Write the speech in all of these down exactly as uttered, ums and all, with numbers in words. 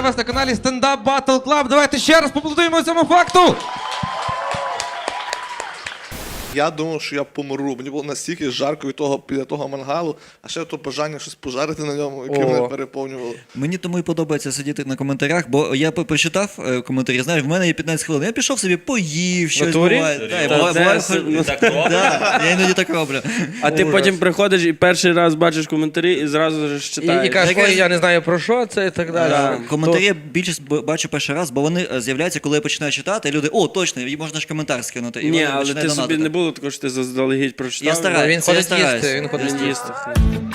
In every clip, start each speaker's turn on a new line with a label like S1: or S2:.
S1: Вітаю вас на каналі Stand-Up Battle Club. Давайте ще раз поаплодуємо цьому факту.
S2: Я думав, що я помру. Мені було настільки жарко від того, біля того мангалу, а ще то бажання щось пожарити на ньому, яке мене переповнювало.
S3: Мені тому і подобається сидіти на коментарях, бо я по- прочитав е, коментарі, знаєш, в мене є п'ятнадцять хвилин, я пішов собі, поїв, щось
S4: Натурі?
S3: буває. Да,
S4: Та
S3: і буває-
S4: це
S3: буває-
S4: с-
S3: ну,
S4: так
S3: да, я іноді так роблю.
S4: А ти потім приходиш і перший раз бачиш коментарі і зразу ж
S5: І,
S4: читаєш.
S5: і кажеш,
S3: Таке-
S5: ой, я не знаю про що це і так далі.
S4: Да.
S3: Коментарі я більшість б- бачу перший раз, бо вони е, з'являються, коли я починаю читати, і люди, о, точно, і можна ж коментар скинути. І
S4: Ні,
S3: вони
S4: але
S3: починають
S4: ти собі
S3: донатити.
S4: не було такого, що ти заздалегідь прочитав.
S3: Я стараюсь.
S5: Він
S3: це
S5: ходить
S3: я стараюсь.
S5: їсти, він ходить
S4: Він
S5: їсти.
S4: їсти.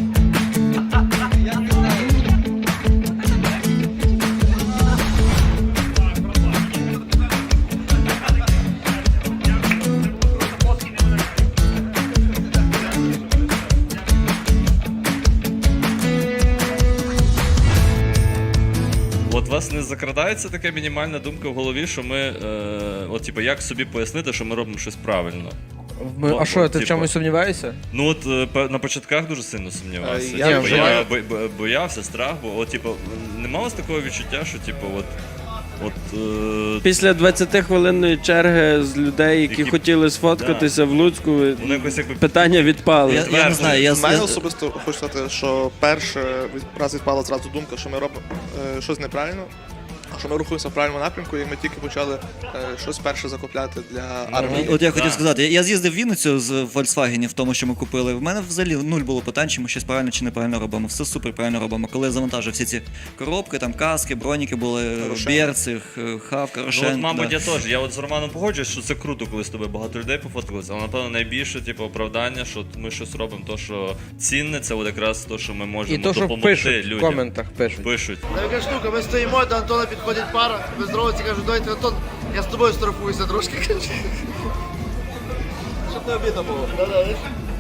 S6: От у вас не закрадається така мінімальна думка в голові, що ми, е, от, типу, як собі пояснити, що ми робимо щось правильно?
S5: Ми-
S6: Ну,
S5: а що, ти
S6: типу.
S5: в чомусь сумніваєшся?
S6: Ну от е, пе- на початках дуже сильно сумнівався.
S2: Е, я
S6: Типу,
S5: вже
S6: я
S2: маю-
S6: бо- бо- боявся, страх, бо от, типу, нема у вас такого відчуття, що типу, от, от е,
S4: Після двадцятихвилинної черги з людей, які,
S6: Які-
S4: хотіли сфоткатися в Луцьку,
S6: воно якось якби
S4: питання відпали.
S3: Я, я не знаю, я,
S2: У мене
S3: я,
S2: особисто хочу сказати, що перше від- раз відпала зразу думка, що ми робимо е, щось неправильно, а що ми рухаємося в правильному напрямку, і ми тільки почали е, щось перше закупляти для армії.
S3: От я хотів
S6: Да.
S3: сказати, я- я з'їздив в Вінницю з Volkswagen в тому, що ми купили. В мене взагалі нуль було питань, чи ми щось правильно чи неправильно робимо. Все супер правильно робимо. Коли я завантажив всі ці коробки, там каски, броніки були,
S2: Рошен.
S3: берці, х- хавка,
S6: Ну,
S3: рошен.
S6: от, мабуть,
S3: да.
S6: я теж. Я от з Романом погоджуюсь, що це круто, коли з тобою багато людей пофоткалися, але напевно найбільше типу, оправдання, що ми щось робимо, то що цінне, це от якраз то, що ми можемо
S5: І то, що
S6: допомогти
S5: пишуть в
S6: людям.
S5: коментах, пишуть.
S6: Пишуть.
S7: Така штука, ми стоїмо, до Антона підходить пара, без здоровці, кажуть, давайте, Антон, я з тобою штрафуюся трошки. Щоб не обідно було. Да-да,